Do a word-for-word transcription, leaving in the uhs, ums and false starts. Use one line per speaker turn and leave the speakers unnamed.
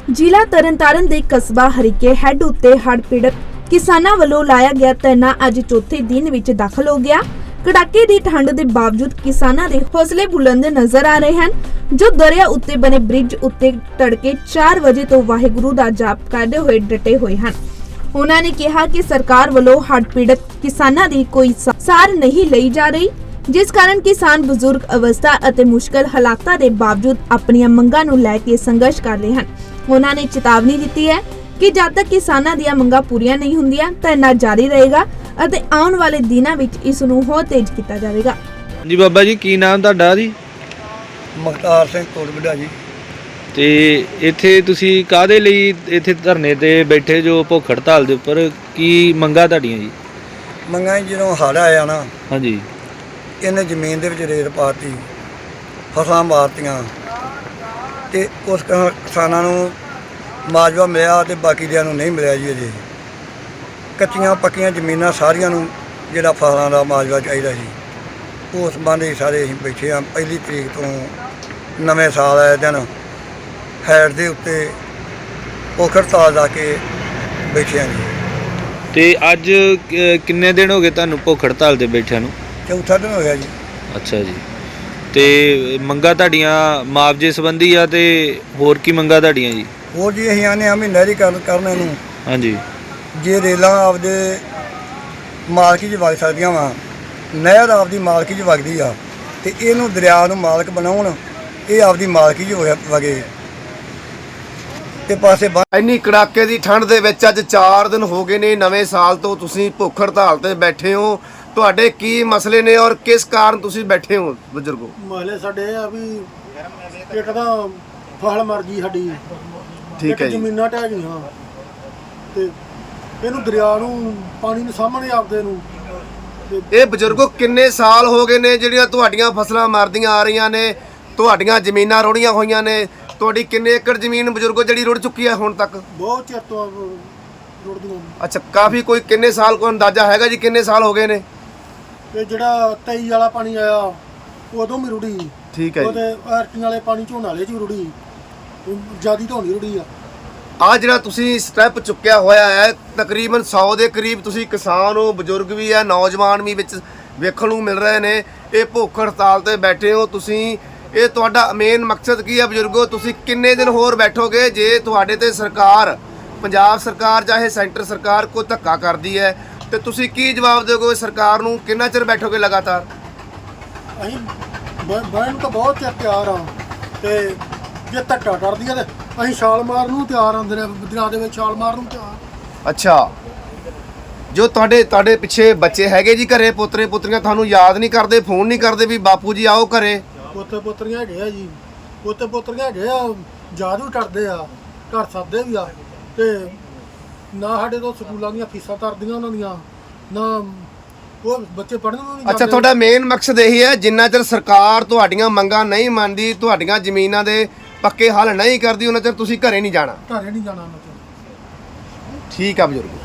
ਜ਼ਿਲ੍ਹਾ ਤਰਨਤਾਰਨ ਦੇ ਕਸਬਾ ਹਰੀਕੇ ਹੈੱਡ ਉੱਤੇ ਹੜ੍ਹ ਪੀੜਤ ਕਿਸਾਨਾਂ ਵੱਲੋਂ ਲਾਇਆ ਗਿਆ ਧਰਨਾ ਅੱਜ ਚੌਥੇ ਦਿਨ ਵਿੱਚ ਦਾਖਲ ਹੋ ਗਿਆ। ਕੜਾਕੇ ਦੀ ਠੰਡ ਦੇ ਬਾਵਜੂਦ ਕਿਸਾਨਾਂ ਦੇ ਹੌਸਲੇ ਬੁਲੰਦ ਨਜ਼ਰ ਆ ਰਹੇ ਹਨ, ਜੋ ਦਰਿਆ ਉੱਤੇ ਬਣੇ ਬ੍ਰਿਜ ਉੱਤੇ ਤੜਕੇ ਚਾਰ ਵਜੇ ਤੋਂ ਵਾਹਿਗੁਰੂ ਦਾ ਜਾਪ ਕਰਦੇ ਹੋਏ ਡਟੇ ਹੋਏ ਹਨ। ਉਹਨਾਂ ਨੇ ਕਿਹਾ ਕਿ ਸਰਕਾਰ ਵੱਲੋਂ ਹੜ੍ਹ ਪੀੜਤ ਕਿਸਾਨਾਂ ਦੀ ਕੋਈ ਸਾਰ ਨਹੀਂ ਲਈ ਜਾ ਰਹੀ, ਜਿਸ ਕਾਰਨ ਕਿਸਾਨ ਬਜ਼ੁਰਗ ਅਵਸਥਾ ਅਤੇ ਮੁਸ਼ਕਲ ਹਾਲਾਤਾਂ ਦੇ ਬਾਵਜੂਦ ਆਪਣੀਆਂ ਮੰਗਾਂ ਨੂੰ ਲੈ ਕੇ ਸੰਘਰਸ਼ ਕਰ ਰਹੇ ਹਨ। ਉਹਨਾਂ ਨੇ ਚੇਤਾਵਨੀ ਦਿੱਤੀ ਹੈ ਕਿ ਜਦ ਤੱਕ ਕਿਸਾਨਾਂ ਦੀਆਂ ਮੰਗਾਂ ਪੂਰੀਆਂ ਨਹੀਂ ਹੁੰਦੀਆਂ ਧਰਨਾ ਜਾਰੀ ਰਹੇਗਾ ਅਤੇ ਆਉਣ ਵਾਲੇ ਦਿਨਾਂ ਵਿੱਚ ਇਸ ਨੂੰ ਹੋਰ ਤੇਜ਼ ਕੀਤਾ ਜਾਵੇਗਾ।
ਜੀ ਬਾਬਾ ਜੀ, ਕੀ ਨਾਮ ਤੁਹਾਡਾ ਜੀ?
ਮੁਖਤਾਰ ਸਿੰਘ ਕੋਟਬਿੱਡਾ ਜੀ।
ਤੇ ਇੱਥੇ ਤੁਸੀਂ ਕਾਹਦੇ ਲਈ ਇੱਥੇ ਧਰਨੇ ਤੇ ਬੈਠੇ ਜੋ ਭੁੱਖ ਹੜਤਾਲ ਦੇ ਉੱਪਰ, ਕੀ ਮੰਗਾਂ ਤੁਹਾਡੀਆਂ ਜੀ?
ਮੰਗਾਂ ਜਦੋਂ ਹੜ੍ਹ ਆਇਆ ਨਾ,
ਹਾਂਜੀ,
ਇਹਨੇ ਜ਼ਮੀਨ ਦੇ ਵਿੱਚ ਰੇਤ ਪਾਤੀ, ਫਸਲਾਂ ਮਾਰਤੀਆਂ ਤੇ ਉਸ ਕ- ਕਿਸਾਨਾਂ ਨੂੰ ਮੁਆਵਜ਼ਾ ਮਿਲਿਆ ਤੇ ਬਾਕੀ ਦਿਆਂ ਨੂੰ ਨਹੀਂ ਮਿਲਿਆ ਜੀ। ਅਜੇ ਕੱਚੀਆਂ ਪੱਕੀਆਂ ਜ਼ਮੀਨਾਂ ਸਾਰੀਆਂ ਨੂੰ ਜਿਹੜਾ ਫਸਲਾਂ ਦਾ ਮੁਆਵਜ਼ਾ ਚਾਹੀਦਾ ਸੀ, ਉਸ ਸੰਬੰਧੀ ਸਾਰੇ ਅਸੀਂ ਬੈਠੇ ਹਾਂ। ਪਹਿਲੀ ਤਰੀਕ ਤੋਂ ਨਵੇਂ ਸਾਲ ਆਏ ਦਿਨ ਹੈਡ ਦੇ ਉੱਤੇ ਭੁੱਖ ਹੜਤਾਲ ਲਾ ਕੇ ਬੈਠੇ ਹਾਂ ਜੀ।
ਤੇ ਅੱਜ ਕ- ਕਿੰਨੇ ਦਿਨ ਹੋ ਗਏ ਤੁਹਾਨੂੰ ਭੁੱਖ ਹੜਤਾਲ ਤੇ ਬੈਠਿਆਂ ਨੂੰ?
ਚੌਥਾ ਦਿਨ ਹੋ ਗਿਆ ਜੀ।
ਅੱਛਾ ਜੀ। ਤੇ ਮੰਗਾਂ ਤੁਹਾਡੀਆਂ ਮੁਆਵਜ਼ੇ ਸੰਬੰਧੀ ਆ ਤੇ ਹੋਰ ਕੀ ਮੰਗਾਂ ਤੁਹਾਡੀਆਂ ਜੀ?
ਹੋਰ ਜੀ ਅਸੀਂ ਆਨੇ ਆ ਵੀ ਨਹਿਰੀਕਰਨ ਕਰਨ ਇਹਨੂੰ,
ਹਾਂਜੀ,
ਜੇ ਰੇਲਾਂ ਆਪਦੇ ਮਾਲਕੀ 'ਚ ਵਗ ਸਕਦੀਆਂ ਵਾ, ਨਹਿਰ ਆਪਦੀ ਮਾਲਕੀ 'ਚ ਵਗਦੀ ਆ ਤੇ ਇਹਨੂੰ ਦਰਿਆ ਨੂੰ ਮਾਲਕ ਬਣਾਉਣ, ਇਹ ਆਪਦੀ ਮਾਲਕੀ 'ਚ ਹੋਇਆ ਵਗੇ ਤੇ ਪਾਸੇ ਬੰਨ੍ਹ।
ਇੰਨੀ ਕੜਾਕੇ ਦੀ ਠੰਡ ਦੇ ਵਿੱਚ ਅੱਜ ਚਾਰ ਦਿਨ ਹੋ ਗਏ ਨੇ ਨਵੇਂ ਸਾਲ ਤੋਂ ਤੁਸੀਂ ਭੁੱਖ ਹੜਤਾਲ ਤੇ ਬੈਠੇ ਹੋ। ਤੁਹਾਡੇ ਕੀ ਮਸਲੇ ਨੇ ਔਰ ਕਿਸ ਕਾਰਨ ਤੁਸੀਂ ਬੈਠੇ ਹੋ ਬਜ਼ੁਰਗੋ?
ਮਸਲੇ ਸਾਡੇ ਇਹ ਆ ਵੀ ਇੱਕ ਤਾਂ ਫਸਲ ਮਰ ਗਈ ਸਾਡੀ,
ਠੀਕ ਹੈ ਜੀ।
ਜ਼ਮੀਨਾਂ ਢਹਿ ਗਈਆਂ ਤੇ ਇਹਨੂੰ ਦਰਿਆ ਨੂੰ ਪਾਣੀ ਨੂੰ ਸਾਹਮਣੇ ਆਪਦੇ ਨੂੰ ਤੇ
ਇਹ ਬਜ਼ੁਰਗੋ ਕਿੰਨੇ ਸਾਲ ਹੋ ਗਏ ਨੇ ਜਿਹੜੀਆਂ ਤੁਹਾਡੀਆਂ ਫਸਲਾਂ ਮਰਦੀਆਂ ਆ ਰਹੀਆਂ ਨੇ, ਤੁਹਾਡੀਆਂ ਜ਼ਮੀਨਾਂ ਰੁੜੀਆਂ ਹੋਈਆਂ ਨੇ? ਤੁਹਾਡੀ ਕਿੰਨੇ ਏਕੜ ਜ਼ਮੀਨ ਬਜ਼ੁਰਗੋ ਜਿਹੜੀ ਰੁੜ ਚੁੱਕੀ ਹੈ ਹੁਣ ਤੱਕ?
ਬਹੁਤ ਚਿਰ ਤੋਂ ਰੁੜਦੀਆਂ।
ਅੱਛਾ, ਕਾਫੀ ਕੋਈ ਕਿੰਨੇ ਸਾਲ ਕੋਈ ਅੰਦਾਜ਼ਾ ਹੈਗਾ ਜੀ ਕਿੰਨੇ ਸਾਲ ਹੋ ਗਏ ਨੇ?
ਤੇ ਜਿਹੜਾ ਤੇਈ ਵਾਲਾ ਪਾਣੀ ਆਇਆ ਉਦੋਂ ਵੀ ਰੁੜੀ।
ਠੀਕ ਹੈ ਜੀ।
ਉਹਦੇ ਆਰਟੀਆਂ ਵਾਲੇ ਪਾਣੀ ਝੋਨਾ ਵਾਲੇ 'ਚ ਵੀ ਰੁੜੀ, ਜਿਆਦੀ ਤੋਂ ਨਹੀਂ ਰੁੜੀ ਆ।
ਆ ਜਿਹੜਾ ਤੁਸੀਂ ਸਟੈਪ ਚੁੱਕਿਆ ਹੋਇਆ ਹੈ, ਤਕਰੀਬਨ ਸੌ ਦੇ ਕਰੀਬ ਤੁਸੀਂ ਕਿਸਾਨ ਹੋ, ਬਜ਼ੁਰਗ ਵੀ ਹੈ, ਨੌਜਵਾਨ ਵੀ ਵਿੱਚ ਵੇਖਣ ਨੂੰ ਮਿਲ ਰਹੇ ਨੇ। ਇਹ ਭੁੱਖ ਹੜਤਾਲ ਤੇ ਬੈਠੇ ਹੋ ਤੁਸੀਂ, ਇਹ ਤੁਹਾਡਾ ਮੇਨ ਮਕਸਦ ਕੀ ਹੈ ਬਜ਼ੁਰਗੋ? ਤੁਸੀਂ ਕਿੰਨੇ ਦਿਨ ਹੋਰ ਬੈਠੋਗੇ? ਜੇ ਤੁਹਾਡੇ ਤੇ ਸਰਕਾਰ, ਪੰਜਾਬ ਸਰਕਾਰ ਚਾਹੇ ਸੈਂਟਰ ਸਰਕਾਰ ਕੋਈ ਧੱਕਾ ਕਰਦੀ ਹੈ ਤੇ ਤੁਸੀਂ ਕੀ ਜਵਾਬ ਦਿਓਗੇ ਸਰਕਾਰ ਨੂੰ? ਕਿੰਨਾ ਚਿਰ ਬੈਠੋਗੇ ਲਗਾਤਾਰ?
ਅਸੀਂ ਬਹਿਣ ਨੂੰ ਤਾਂ ਬਹੁਤ ਚਿਰ ਤਿਆਰ ਆ, ਤੇ ਜੇ ਧੱਕਾ ਕਰਦੀ ਆ ਤੇ ਅਸੀਂ ਛਾਲ ਮਾਰਨ ਨੂੰ ਤਿਆਰ ਆ, ਦਰਿਆ ਦੇ ਵਿੱਚ ਛਾਲ ਮਾਰਨ ਨੂੰ ਤਿਆਰ।
ਅੱਛਾ, ਜੋ ਤੁਹਾਡੇ ਤੁਹਾਡੇ ਪਿੱਛੇ ਬੱਚੇ ਹੈਗੇ ਜੀ ਘਰੇ, ਪੋਤਰੇ ਪੁੱਤਰੀਆਂ, ਤੁਹਾਨੂੰ ਯਾਦ ਨਹੀਂ ਕਰਦੇ, ਫੋਨ ਨਹੀਂ ਕਰਦੇ ਵੀ ਬਾਪੂ ਜੀ ਆਓ ਘਰੇ?
ਪੋਤੇ ਪੋਤਰੀਆਂ ਹੈਗੇ ਆ ਜੀ, ਪੋਤੇ ਪੋਤਰੀਆਂ ਹੈਗੇ ਆ, ਯਾਦ ਵੀ ਕਰਦੇ ਆ, ਘਰ ਸੱਦੇ ਵੀ ਆ, ਤੇ ਨਾ ਸਾਡੇ ਤੋਂ ਸਕੂਲਾਂ ਦੀਆਂ ਫੀਸਾਂ ਤਰਦੀਆਂ ਉਹਨਾਂ ਦੀਆਂ, ਨਾ ਉਹ ਬੱਚੇ ਪੜ੍ਹਨ ਨੂੰ ਨਹੀਂ।
ਅੱਛਾ, ਤੁਹਾਡਾ ਮੇਨ ਮਕਸਦ ਇਹੀ ਹੈ ਜਿੰਨਾ ਚਿਰ ਸਰਕਾਰ ਤੁਹਾਡੀਆਂ ਮੰਗਾਂ ਨਹੀਂ ਮੰਨਦੀ, ਤੁਹਾਡੀਆਂ ਜ਼ਮੀਨਾਂ ਦੇ ਪੱਕੇ ਹੱਲ ਨਹੀਂ ਕਰਦੀ, ਉਹਨਾਂ ਚਿਰ ਤੁਸੀਂ ਘਰੇ ਨਹੀਂ ਜਾਣਾ?
ਘਰੇ ਨਹੀਂ ਜਾਣਾ ਉਹਨਾਂ ਚਿਰ।
ਠੀਕ ਆ ਬਜ਼ੁਰਗ।